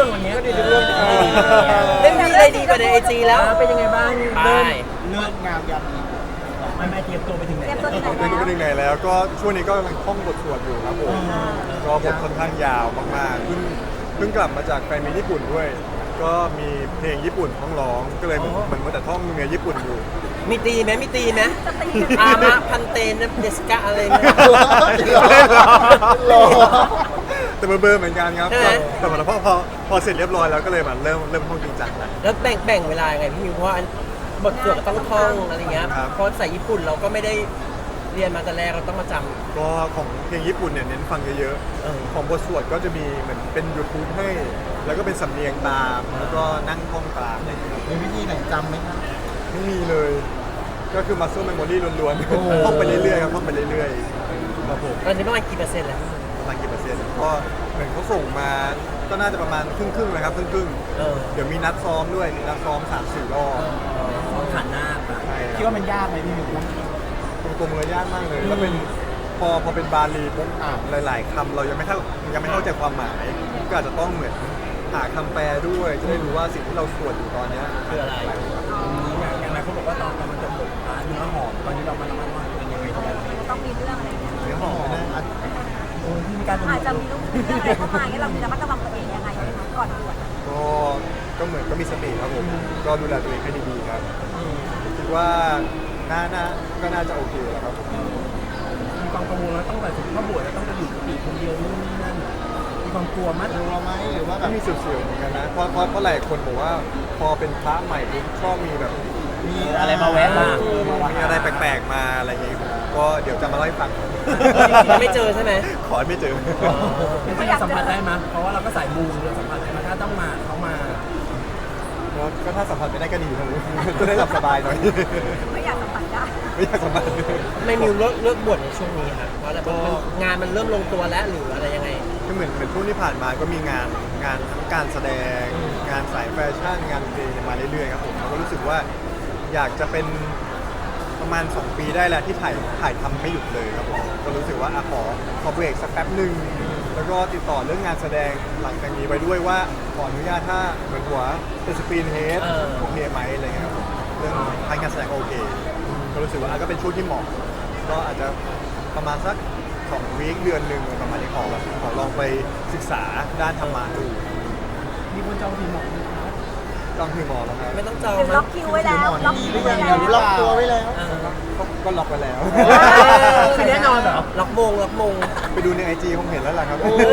วันนี้ก็ดีทุกเรื่องไม่มีอะไรดีกว่าในไอจีแล้วเป็นยังไงบ้างไปเลิกงามยามดีไม่เตรียมตัวไปถึงไหนเตรียมตัวถึงไหนไม่รู้ไปถึงไหนแล้วก็ช่วงนี้ก็กำลังท่องบทสวดอยู่ครับผมก็บทค่อนข้างยาวมากๆเพิ่งกลับมาจากแฟนมีตญี่ปุ่นด้วย ก็มีเพลงญี่ปุ่นต้องร้องก็เลยเหมือนแต่ท่องเนื้อญี่ปุ่นอยู่มีตีไหมมีตีไหมจะตีอามะพันเตนเดสกะอะไรเนี่ยรอแต่เบอร์เหมือนกันครับใช่ไหมแต่พอเสร็จเรียบร้อยแล้วก็เลยมาเริ่มท่องจริงจังแล้วแล้วแบ่งเวลายังไงพี่มิวเพราะว่าบทสวดก็ต้องท่องอะไรเงี้ยครับเพราะใส่ญี่ปุ่นเราก็ไม่ได้เรียนมาแต่แรกเราต้องมาจำก็ของเพลงญี่ปุ่นเนี่ยเน้นฟังเยอะเออๆของบทสวดก็จะมีเหมือนเป็น YouTube ให้ แล้วก็เป็นสำเนียงตามแล้วก็นั่งท่องตามอะไรอย่างเงี้ยครับมีวิธีไหนจำไหมครับไม่มีเลย ก็คือ muscle memory ล้วนๆท่องไปเรื่อยๆครับท่องไปเรื่อยๆครับผมตอนนี้ประมาณกี่เปอร์เซ็นต์แล้วประมาณกี่เปอร์เซ็นต์ก็เหมือนเขาส่งมาก็น่าจะประมาณครึ่งๆเลยครับครึ่งเออๆเดี๋ยวมีนัดซ้อมด้วยมีนัดซ้อม 3-4 รอบขันหน้าปะใช่คิดว่ามันยากไหมพี่มิวตรงๆเลยยากมากเลยแล้วเป็นพอเป็นบาลีปุ๊บหลายๆคำเรายังไม่เข้าใจความหมาย ก็อาจจะต้องเหมือนหาคำแปลด้วยจะได้รู้ว่าสิ่งที่เราสวดอยู่ตอนเนี้ยคืออะไรอย่างไรเขาบอกว่าตอนมันจะหมดเนื้อหอมตอนนี้เรามาระมัดระวังเป็นยังไงบ้างต้องมีเรื่องอะไรเนี่ยเนื้อหอมนะที่มีการอาจจะมีเรื่องอะไรเข้ามาเนี่ยเราจะระมัดระวังตัวเองยังไงก่อนบวชก็เหมือนก็มีสติครับผมก็ดูแลตัวเองให้ดีๆครับคิดว่าก็น่าจะโอเคแล้วครับผมมีความกังวลแล้วต้องแบบถึงข้อบวชแล้วต้องไปอยู่กุฏิคนเดียวนู่นนี่นั่นมีความกลัวมั้ยกลัวไหมหรือว่าแบก็บมีเสียวๆเหมือนกันนะเพราะหลายคนบอกว่าพอเป็นพระใหม่ปุ๊บชอบมีแบบมีอะไรมาแวะบ้างมีอะไรแปลกๆมาอะไรอย่างงี้ผมก็เดี๋ยวจะมาเล่าให้ฟังยังไม่เจอใช่ไหมขอให้ไม่เจอเป็นที่เราสัมผัสได้มั้ยเพราะว่าเราก็สายมูเราสัมผัสได้มั้ยถ้าต้องมาเขามาก็ถ้าสัมผัสไม่ได้ก็ดีนะจะได้หลับสบายหน่อยไม่อยากสัมผัสได้ไม่อยากสัมผัสไม่มิวเลิกบวชในช่วงนี้ค่ะเพราะอะไรเพราะงานมันเริ่มลงตัวแล้วหรืออะไรยังไงก็เหมือนช่วงที่ผ่านมาก็มีงานทั้งการแสดง งานสายแฟชั่นงานเพลงมาเรื่อยๆครับผมแล้วก็รู้สึกว่าอยากจะเป็นประมาณ 2 ปีได้แล้วที่ถ่ายทำไม่หยุดเลยครับผมก็รู้สึกว่าขอเบรกสักแป๊บหนึ่งแล้วก็ติดต่อเรื่องงานแสดงหลังจากนี้ไว้ด้วยว่าขออนุญาตถ้าเหมือนหัวเป็นสกรีนเฮดโอเคไหมอะไรเงี้ยครับผมเรื่องทางการแสดงโอเคก็รู้สึกว่าก็เป็นช่วงที่เหมาะก็อาจจะประมาณสัก2 วีคเดือนหนึ่งประมาณนี้ขอลองไปศึกษาด้านธรรมะดูมีคนจองทีมหมอจองคือหมอแล้วครับไม่ต้องจองหรือมั้ล็อย กคิวไว้แล้ว ล็อกมีคิหวรือไว้ยังแล้วล็อกตัวไว้แล้วก็ล็อกไปแล้วคือแน่นอนเหรอล็อกมงไปดูในไอจีคงเห็นแล้วล่ะครับ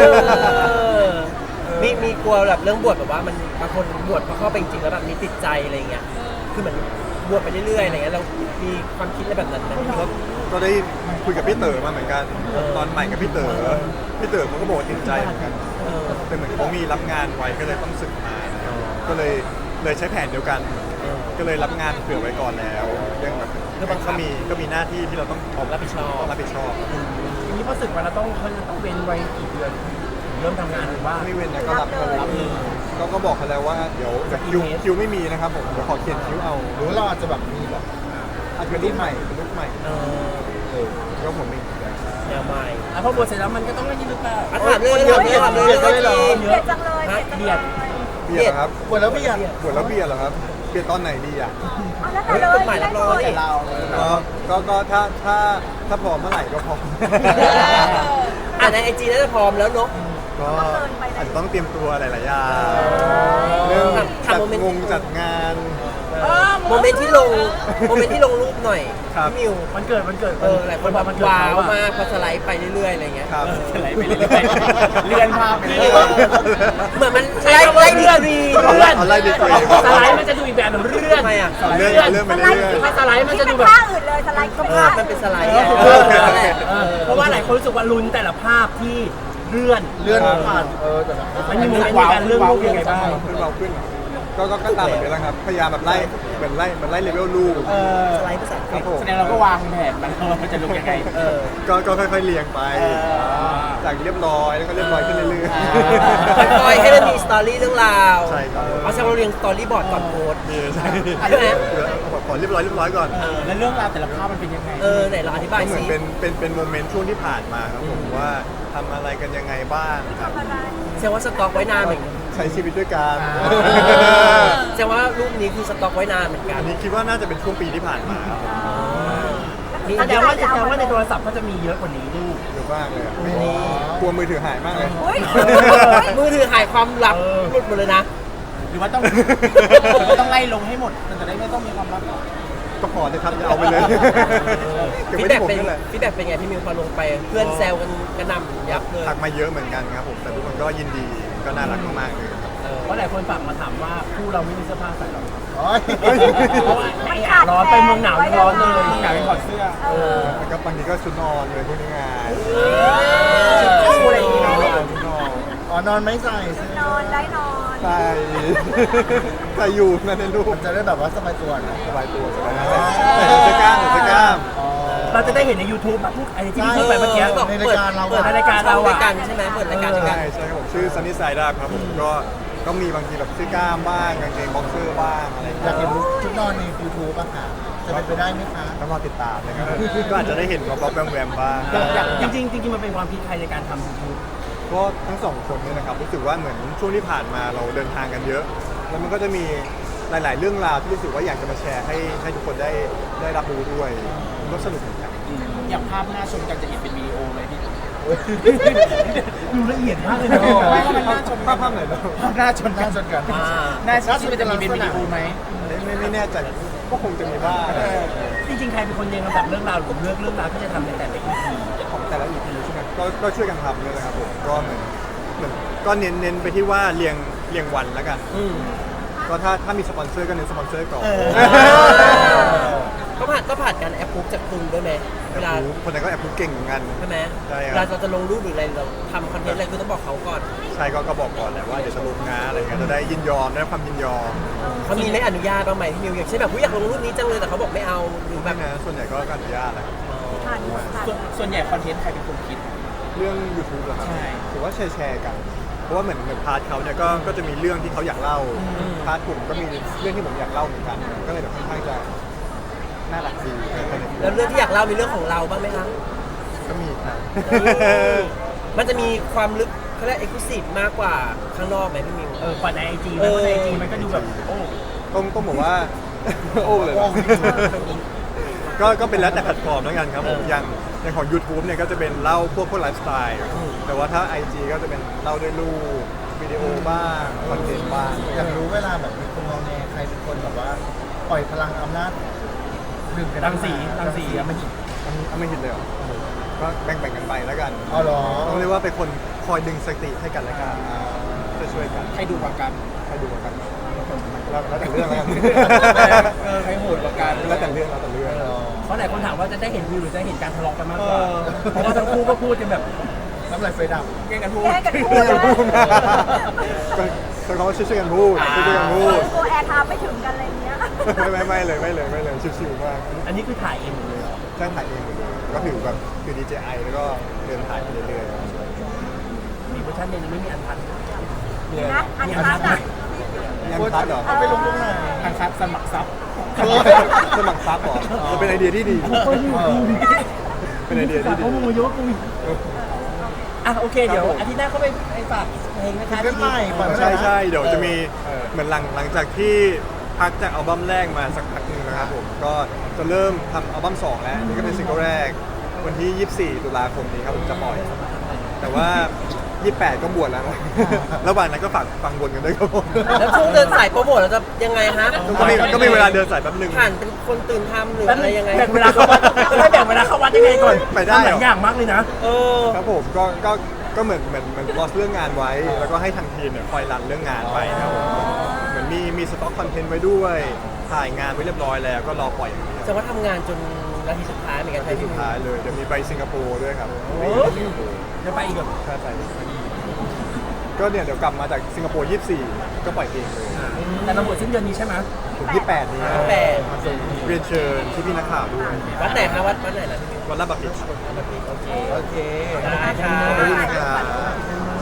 มีกลัวแบบเรื่องบวชแบบว่ามันบางคนบวชพอเข้าไปจริงๆแล้วแบบมีติดใจอะไรเงี้ยคือเหมือนบวชไปเรื่อยๆอะไรเงี้ยเรามีความคิดอะไรแบบนั้นไหมที่ว่าก็ได้คุยกับพี่เต๋อมาเหมือนกัน ตอนใหม่กับพี่เต๋อเขาก็บอกว่าติดใจเหมือนกันแต่เหมือนเขามีรับงานไว้ก็เลยต้องสึกมาก็เลยใช้แผนเดียวกัน ก็เลยรับงานเผื่อไว้ก่อนแล้วเรื่องแบบก็มีหน้าที่ที่เราต้องรับผิดชอบรับผิดชอบทีนี้พอสึกมาเราต้องเว้นไว้กี่เดือนเริ่มทำงานหรือว่าไม่เว้นนะก็รับเลยก็บอกเขาแล้วว่าเดี๋ยวคิวไม่มีนะครับผมเดี๋ยวขอเขียนคิวเอาหรือว่าเราอาจจะแบบมีแบบอาจจะเป็นรุ่นใหม่ก็ผมเองแนวใหม่แล้วพอบวชเสร็จแล้วมันก็ต้องเล่นนี่หรือเปล่าถามเลยถามเลยเกลียดจังเลยเกลียดจังเลยเบียร์ครับบวชแล้วพี่อ่ะบวชแล้วเบียร์เหรอครับเบียร์ตอนไหนดีอ่ะเอาแล้วแต่เลยใหม่รับรองดิเราก็ถ้าพร้อมเมื่อไหร่ก็พร้อมในไอจีน่าจะพร้อมแล้วเนาะก็อาจจะต้องเตรียมตัวหลายๆอย่างเรื่องจัดงานโมเมนต์ที่ลงรูปหน่อยครับพี่มิวมันเกิดหลายคนแบบว้าวมากพอสไลด์ไปเรื่อยๆอะไรเงี้ยครับสไลด์ไปเรื่อยๆเลื่อนภาพไปเรื่อยเหมือนมันไล่ดีกรีเอาไล่ดีกรีสไลด์มันจะดูอีกแบบหนึ่งเลื่อนทำไมอ่ะเลื่อนไปสเรื่ไลอยด์ถ้าสไลด์มันจะดูแบบท่าอื่นเลยสไลด์ก็ภาพมันเป็นสไลด์เพราะว่าหลายคนรู้สึกว่าลุ้นแต่ละภาพที่เลื่อนผ่านแต่แบบมันมีโมเมนต์ในการเลื่อนรูปยังไงบ้างขึ้นเราขึ้นก็ตามแบบนี้แหละครับพยายามแบบไล่เหมือนไล่เลเวลลูกสไลด์ภาษาอังกฤษแสดงเราก็วางแผนมันมันจะดูยังไงก็ค่อยๆเรียงไปจากเรียบร้อยแล้วก็เรียบร้อยขึ้นเรื่อยค่อยๆให้มันมีสตอรี่เรื่องราวใช่ครับเอาแซงเราเรียงสตอรี่บอร์ดก่อนโพสต์ใช่ใช่ไหมขอเรียบร้อยก่อนแล้วเรื่องราวแต่ละภาพมันเป็นยังไงไหนเราอธิบายก็เหมืสิอนเป็นโมเมนต์ช่วงที่ผ่านมาครับผมว่าทำอะไรกันยังไงบ้างครับแสดงว่าสต็อกไว้นานเหมือนใช้ชีวิตด้วยกันแสดงว่ารูปนี้คือสต็อกไว้นานเหมือนกัอันนนี้คิดว่าน่าจะเป็นช่วงปีที่ผ่านมาครับแสดงว่าในโทรศัพท์ก็จะมีเยอะกว่านี้ลูกเยอะมากเลยอะกลัวมือถือหายมากเลยอุ้ยมือถือหายความลับหลุดหมดเลยนะหรือว่าต้อง ต้องไล่ลงให้หมด มันจะได้ไม่ต้องมีความลับก็พอเลยครับอย่าเอาไปเลยเก็บฟีไว้ดแบ็ที่กผมเป็นนั่นแหละฟีดแบ็กเป็นไงพี่มิวพอลงไปเพื่อนแซวกันกระหน่ำยับเลยทักมาเยอะเหมือนกันครับผมแต่ทุกคนก็ยินดีก็น่ารักมากๆเลยครับเพราะหลายคนฝากมาถามว่าคู่เราไม่มีเสื้อผ้าใส่หรอโอ้ยเพราะว่าร้อนไปเมืองหนาวร้อนเลยที่ไหนถอดเสื้อแล้วก็บางทีก็ชุดนอนเลยพวกนี้ไงชุดคู่อะไรอย่างงี้เนาะชุดนอนอ๋อนอนไม่ใส่สินอนได้นอนใส่ใส่อยู่นั่นในรูปมันจะได้แบบว่าสบายตัวนะสบายตัวสบายใส่เสื้อกล้ามใส่เสื้อกล้ามอ๋อเราจะได้เห็นใน YouTube พวกไอ้ที่พี่พูดไปเมื่อกี้บอกในรายการเราอะเปิดในรายการเราอะด้วยกันใช่ไหมเปิดรายการด้วยกันใช่ครับผมชื่อ Sunny Side Up ครับผมก็มีบางทีแบบเสื้อกล้ามบ้างกางเกงบ็อกเซอร์บ้างอะไรอย่างอยากเงี้เห็ยนชุดนอนใน YouTube อะค่ะ จะเป็นไปได้ไหมคะต้องรอติดตามนะครับก็อาจจะได้เห็นว่าบ๊อบแวมแวมบ้างจริงมันเป็นความคิดใครในการทำ YouTube ก็ทั้งสองคนเนี่ยนะครับรู้สึกว่าเหมือนช่วงที่ผ่านมาเราเดินทางกันเยอะ แล้วมันก็จะมีหลาย ๆ เรื่องราวที่รู้สึกว่าอยากจะมาแชร์ให้ทุกคนได้รับรู้ด้วยมันก็สนุกเหมือนกันอย่างภาพหน้าชมกันจะเห็นเป็นวิดีโอเลยพี่ดูละเอียดมากเลยนะไม่ว่ามันน่าชมภาพไหนเนาะหน้าชนน่าชนกันหน้าชนมันจะมีเป็นวิดีโอไหมไม่แน่ใจก็คงจะมีบ้างจริงๆใครเป็นคนเรียงลำดับเรื่องราวหรือเรื่องราวที่จะทำในแต่ละ EP ของแต่ละ EP ใช่ไหมก็ช่วยกันทำเลยนะครับผมก็เหมือนก็เน้นไปที่ว่าเรียงวันแล้วกันก็ถ้ามีสปอนเซอร์ก็เน้นสปอนเซอร์ก่อนก็ผ่านการแอปพูฟจากคุณด้วยไหมเวลาคนนั้นก็แอบพูดเก่งเหมือนกันใช่ไหมใช่ครับเวลาเราจะลงรูปหรืออะไรเราทำคอนเทนต์อะไรคือต้องบอกเขาก่อนใช่ก็บอกก่อนแหละว่าเดี๋ยวจะลงนะอะไรเงี้ยจะได้ยินยอมได้ความยินยอมเขามีไม่อนุญาตบ้างไหมพี่มิวอย่างเช่นแบบอยากลงรูปนี้จังเลยแต่เขาบอกไม่เอาหรือแบไม่บนะส่วนใหญ่ก็อนุญาตแหละผ่านผ่านส่วนใหญ่คอนเทนต์ใครเป็นคนคิดเรื่อง YouTube เหรอครับใช่ถือว่าแชร์กัน เพราะว่าเหมือนพาร์ทเขาเนี่ยก็จะมีเรื่องที่เขาอยากเล่าพาร์ทผมก็มีเรื่องที่ผมอยากเล่าเหมือนกัน ก็เลยแบบค่อนข้างจะน่ารักดีแล้วเรื่องที่อยากเล่ามีเรื่องของเราบ้างไหมคะก็มีครับมันจะมีความลึกเขาเรียกเอ็กซ์คลูซีฟมากกว่าข้างนอกไหมพี่มิวกว่าใน IG เพราะใน IG มันก็ดูแบบโอ้ต้องบอกว่า โอ้เลยเหรอก็เป็นแล้วแต่แพลตฟอร์มแล้วกันครับผมอย่างของ YouTube เนี่ยก็จะเป็นเล่าพวกไลฟ์สไตล์แต่ว่าถ้า IG ก็จะเป็นเล่าด้วยรูปวิดีโอบ้างคอนเทนต์บ้างอยากรู้เวลาแบบมีคนมองแนใครเป็นคนแบบว่าปล่อยพลังอำนาจดึงกันรังสีอะมันไม่เห็นเลยเหรอก็แบ่งกันไปแล้วกันอ๋อเหรอต้องเรียกว่าเป็นคนคอยดึงสติให้กันและกันช่วยกันใครดูกว่ากันใครดูกันแล้วแต่เรื่องแล้วกันใครโหดกว่ากันแล้วแต่เรื่องแล้วแต่เรื่องเพราะหลายคนถามว่าจะได้เห็นวิวหรือจะเห็นการทะเลาะกันมากกว่าเพราะว่าทั้งคู่ก็พูดกันแบบน้ำลายไฟดับแย่งกันพูดแค่กันพูช่วยดกันนะพูดนะก็ใช้คำว่าช่วยกันพูดช่วยกันพูดตัวแอร์ไทม์ไม่ถึงกันอะไรเงี้ยไม่เลยชิวๆมากอันนี้คือถ่ายเองหมดเลยเหรอใช่ถ่ายเองหมดเลยก็ถือแบบคือ DJI แล้วก็เดินถ่ายไปเรื่อยมีเวอร์ชันเดียวยังไม่มีอันพันมีนะอันคัดอ่ะๆยังพัดเหรอเอาไปลงตรงไหนอันคัดสมัครซับสมัครซับเหรอเป็นไอเดียที่ดี เป็นไอเดียที่ดีเขามึงเยอะกูอ่ะโอเคเดี๋ยวอาทิตย์หน้าเขาไปฝากเพลงนะคะซิงเกิลใหม่ปล่อยใช่เดี๋ยวจะมีเหมือนหลังจากที่พักจากอัลบั้มแรกมาสักพักหนึงนะครับผมก็จะเริ่มทำอัลบั้ม2แล้วนี่ก็เป็นซิงเกิลแรกวันที่ 24 ตุลาคมนี้ครับผมจะปล่อย แต่ว่า 28 ก็บวชแล้วนะระหว่างนั้นก็ฝากฟังบนกันด้วยครับผมแล้วช่วงเดินสายโปรโมทเราจะยังไงฮะก็มีเวลาเดินสายแป๊บหนึงผ่านเป็นคนตื่นทำหรืออะไรยังไงแบ่งเวลาเข้าวัดไม่แบ่งเวลาเข้าวัดยังไงก่อนไปได้เหรอหลายอย่างมากเลยนะเออครับผมก็เหมือนลอสเรื่องงานไว้ แล้วก็ให้ทางทีมเนี่ยคอยรันเรื่องงานไปครับผมเหมือนมีสต็อกคอนเทนต์ไว้ด้วยถ่ายงานไว้เรียบร้อยแล้วก็รอปล่อยอย่างเดียวจะว่าทำงานจนนาทีสุดท้ายเหมือนกันใช่ไหมสุดพี่ท้ายเลยเดี๋ยวมีไปสิงคโปร์ด้วยครับโอ้ไปสิงคโปร์จะไปอีกแบบใช่ไปก็เนี่ยเดี๋ยวกลับมาจากสิงคโปร์ 24 ก็ปล่อยเพลงเลยแต่เราหมดสิ้นเดือนนี้ใช่ไหมถึง 28 นี้แปดเรียนเชิญพี่นักข่าวด้วยวัดไหนคะวัดไหนนะพี่มิววันละบัพพิชโอเคโอเคได้ค่ะขอบคุณครับ